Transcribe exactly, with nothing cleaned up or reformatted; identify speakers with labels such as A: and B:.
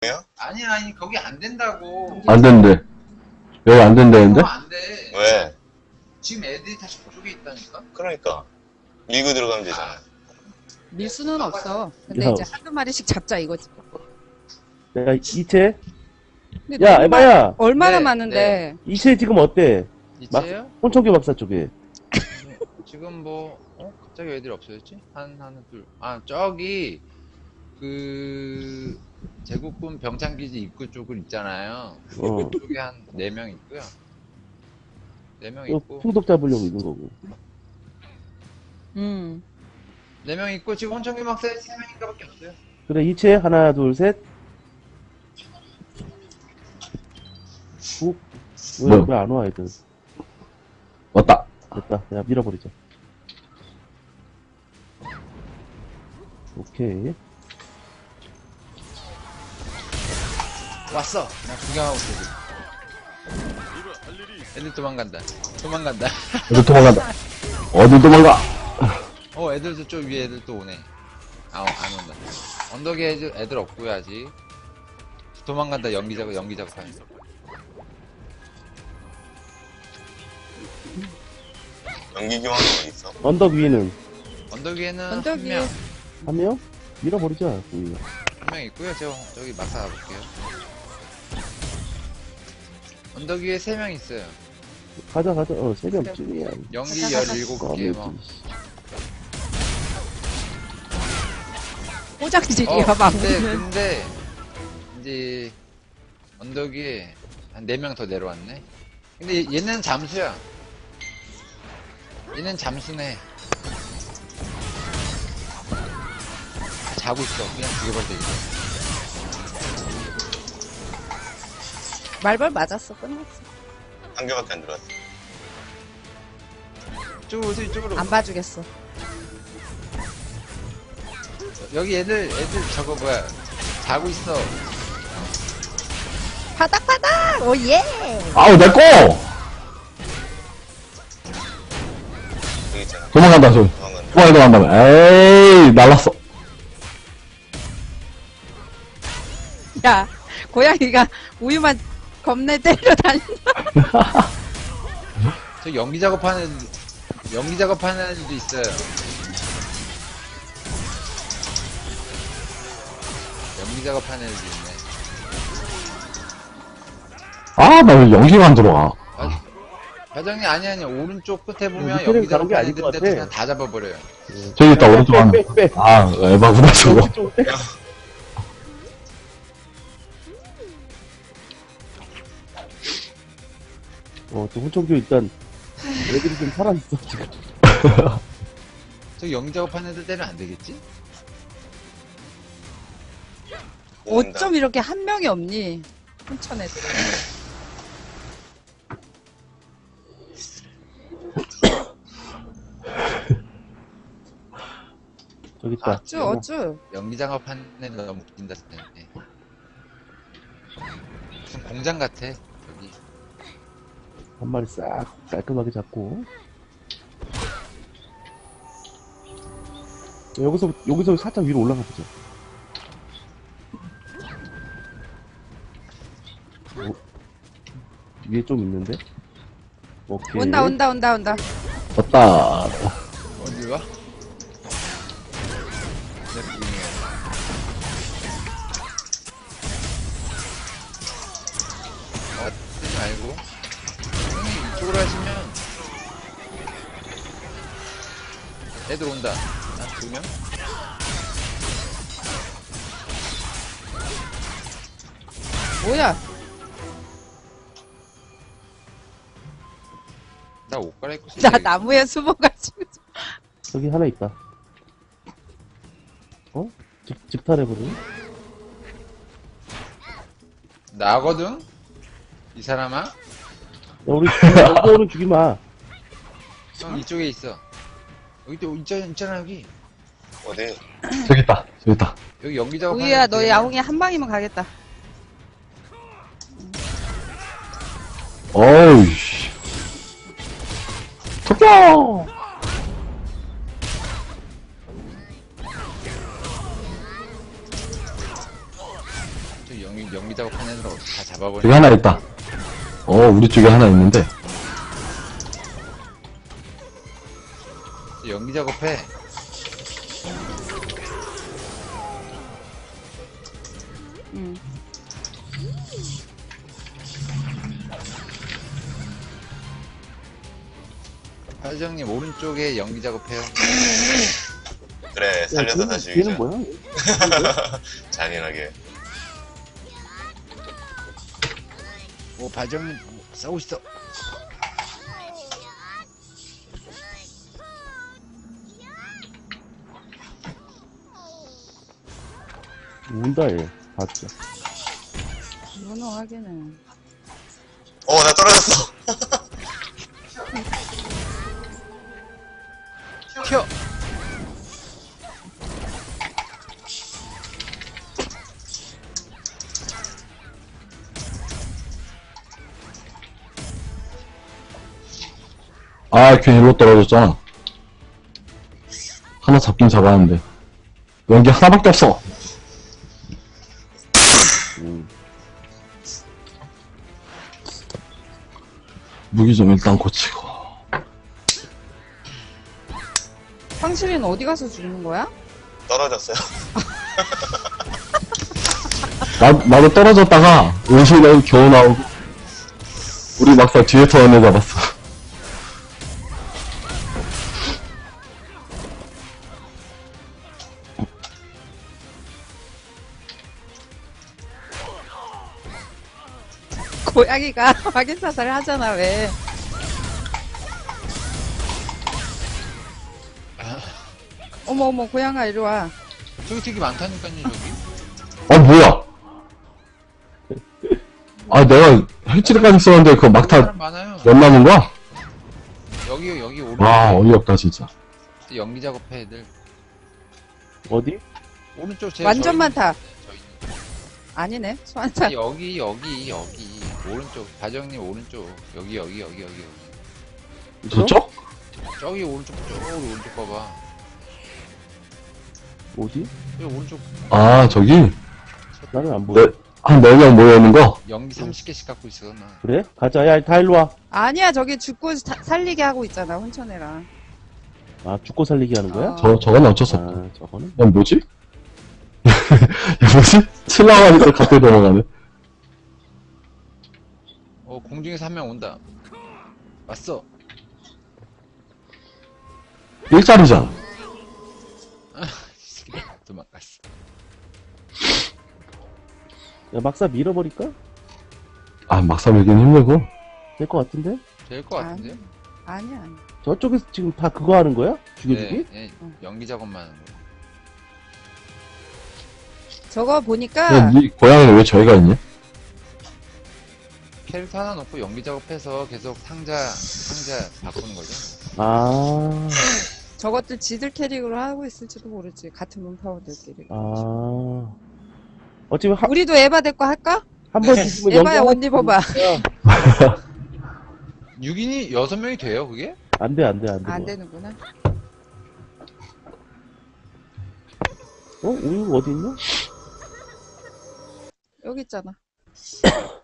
A: 아니 아니 거기 안 된다고.
B: 안 된대. 여기 안 된다는데?
A: 어, 안 돼.
C: 왜?
A: 지금 애들이 다 저쪽에 있다니까.
C: 그러니까 밀고 들어가면 되잖아.
D: 밀 수는 없어. 근데
E: 야.
D: 이제 한두 마리씩 잡자 이거지.
E: 내가 이체?
D: 근데
E: 야,
D: 너무
E: 에바야!
D: 많- 얼마나
A: 네,
D: 많은데.
E: 이체 지금 어때?
A: 이제요?
E: 혼청교 박사 쪽에.
A: 지금 뭐 어? 갑자기 애들이 없어졌지? 한 하나 둘. 아 저기 그 제국군 병창기지 입구 쪽을 있잖아요.
E: 어.
A: 그쪽에 한 네 명 있고요. 네 명
E: 또
A: 있고
E: 풍독 잡으려고 있는 거고.
D: 음.
A: 네 명 있고 지금 혼청기 막사에 세 명인가밖에 없어요.
E: 그래, 이체 하나, 둘, 셋. 후. 왜,
B: 뭐야?
E: 왜 안 와, 애들?
B: 왔다.
E: 됐다. 야, 밀어버리자. 오케이.
A: 왔어. 나 구경하고 있어. 애들 도망간다. 도망간다.
B: 어디 도망간다. 어디 도망가?
A: 어 애들 저쪽 위에 애들 또 오네. 아 안 온다. 언덕에 애들, 애들 없고요 아직. 도망간다. 연기 작업 연기 작업하는.
C: 연기 교환은 어디 있어?
E: 언덕 위에는
A: 언덕 위에는
D: 언덕
A: 한
D: 위에
A: 명.
E: 한 명? 밀어버리자, 우리가.
A: 한 명 있고요. 저 저기 막사 가볼게요. 언덕 위에 세 명 있어요.
E: 가자, 가자. 어, 세 명쯤이야.
A: 연기
D: 가자, 가자.
A: 열일곱 개 뭐.
D: 포장질이야
A: 어,
D: 막.
A: 근데 근데 이제 언덕 위에 한 네 명 더 내려왔네. 근데 얘- 얘는 잠수야. 얘는 잠수네. 자고 있어. 그냥 죽여버려 되겠어.
D: 말벌 맞았어. 끝났어.
C: 한 개밖에 안 들어왔어.
A: 이쪽으로 오세요. 이쪽으로.
D: 안 봐주겠어.
A: 여기 애들 애들 저거 뭐야. 자고 있어.
D: 바닥바닥! 오예!
B: 아우, 내 거!
C: 여기 있잖아.
B: 도망간다, 저기.
C: 도망간다.
B: 도망가, 도망간다. 에이, 날랐어.
D: 야, 고양이가 우유만 겁내 때려 다닌다.
A: 저 연기 작업하는 연기 작업하는 애들도 있어요. 연기 작업하는 애들도 있네.
B: 아, 나 왜 연기가 안 들어와.
A: 아, 과장님 아니 아니 오른쪽 끝에 보면
E: 밑에는
A: 연기
E: 가는 게
A: 작업하는
E: 아닐 것
A: 애들인데
E: 같아.
A: 그냥 다 잡아버려요.
B: 저기 있다, 오른쪽 하나.
E: 빼, 빼, 빼.
B: 아, 에바구나, 저거.
E: 좀 빼. 어, 또 혼청교 일단 애들이 좀 살아있어, 지금.
A: 저 연기 작업하는 애들 때는 안 되겠지?
C: 모른다.
D: 어쩜 이렇게 한 명이 없니? hun천 애들.
E: 저기 있다.
D: 어쭈, 어쭈.
A: 연기 작업하는 애들 너무 웃긴다 생각해. 무슨 공장 같아 여기.
E: 한 마리 싹 깔끔하게 잡고. 여기서, 여기서 살짝 위로 올라가 보자. 어, 위에 좀 있는데? 오케이.
D: 온다, 온다, 온다, 온다.
B: 왔다.
A: 어디 와? 내 부인이야. 어, 쓰지 말고 형님 이쪽으로 하시면 애들 온다. 한 두 명?
D: 뭐야?
A: 나 옷 갈아입고
D: 나
A: 있어야겠다.
D: 나무에 숨어가지고.
E: 저기 하나 있다. 어? 집, 집탈해버리네?
A: 나거든? 이 사람아?
E: 야, 우리, 여기 오는 죽이 마.
A: 형 이쪽에 있어. 여기 또 있잖아, 있잖아 여기.
C: 어디?
B: 저기 있다, 저기 있다.
A: 여기 연기 작업.
D: 우유야, 너 야옹이 한 방이면 가겠다.
B: 어이씨. 토끼야!
A: 저 연기 연기, 연기 작업한 애들 다 잡아버려.
B: 여기 하나 있다. 어, 우리 쪽에 하나 있는데.
A: 연기 작업해.
D: 응.
A: 화정님 오른쪽에 연기 작업해요.
C: 그래, 살려서
E: 걔는,
C: 다시
E: 걔는
C: 유자.
E: 뭐야?
C: 잔인하게.
A: 오, 바정님 싸우고 있어.
E: 운다 얘. 봤죠.
D: 무능하기는.
C: 어, 나 떨어졌어.
A: 튀어.
B: 아, 괜히 일로 떨어졌잖아. 하나 잡긴 잡았는데. 연기 하나밖에 없어.
E: 음.
B: 무기 좀 일단 고치고.
D: 황실이는 어디 가서 죽는 거야?
C: 떨어졌어요.
B: 나, 나도 떨어졌다가, 은신에 겨우 나오고, 우리 막상 뒤에서 언니 잡았어.
D: 고양이가 확인 사살을 하잖아, 왜. 어머, 어머, 고양아, 이리 와.
A: 저기 되게 많다니까요, 저기.
B: 어, 뭐야? 아, 내가 핵질까지 썼는데 그거 막타
A: 사람 많아요.
B: 몇 남은 거야?
A: 여기, 여기 오른쪽.
B: 와, 어이없다, 진짜.
A: 연기 작업해, 애들.
E: 어디?
A: 오른쪽 제
D: 완전
A: 저희-
D: 많다.
A: 저희 있는
D: 아니네, 소환사.
A: 여기 여기 여기 오른쪽 바정님 오른쪽 여기 여기 여기 여기 여기
B: 저쪽?
A: 저기 오른쪽 저기 오른쪽 봐봐
E: 어디?
A: 여기 오른쪽
B: 아, 저기?
E: 나는 안 보여.
B: 네, 한 네 명 모여있는 거?
A: 연기 삼십 개씩 갖고 있어 나.
E: 그래? 가자. 야, 다 일로 와.
D: 아니야, 저기 죽고 사- 살리게 하고 있잖아, 혼천애랑.
E: 아, 죽고 살리기 하는 거야?
D: 어.
B: 저, 저건 어쩔 수 없다.
E: 아, 저거는?
B: 야, 뭐지? 야, 뭐지? 칠라고 하니까 갑자기 넘어가네.
A: 어 공중에서 한 명 온다 왔어.
B: 일자리잖아.
A: 도망갔어.
E: 야, 막사 밀어버릴까?
B: 아, 막상 밀긴 힘들고.
E: 될 것 같은데?
A: 될 것 같은데요?
D: 아니야, 아니야.
E: 저쪽에서 지금 다 그거 하는 거야? 죽여주기?
A: 네, 네, 연기 작업만 하는 거.
D: 저거 보니까,
B: 야, 니 고양이는 왜 저희가 있냐?
A: 캐릭터 하나 놓고 연기 작업해서 계속 상자 상자 바꾸는 거죠.
E: 아,
D: 저것들 지들 캐릭으로 하고 있을지도 모르지, 같은 문파워들끼리.
E: 아. 어차피 한,
D: 우리도 에바 데리고 할까?
E: 한 번 죽으면
D: 에바야,
E: 연결-
D: 옷 입어봐.
A: 육 인이 여섯 명이 돼요 그게?
E: 안 돼, 안 돼, 안 돼.
D: 안 되는구나.
E: 어? 우유 어디 있냐?
D: 여기 있잖아.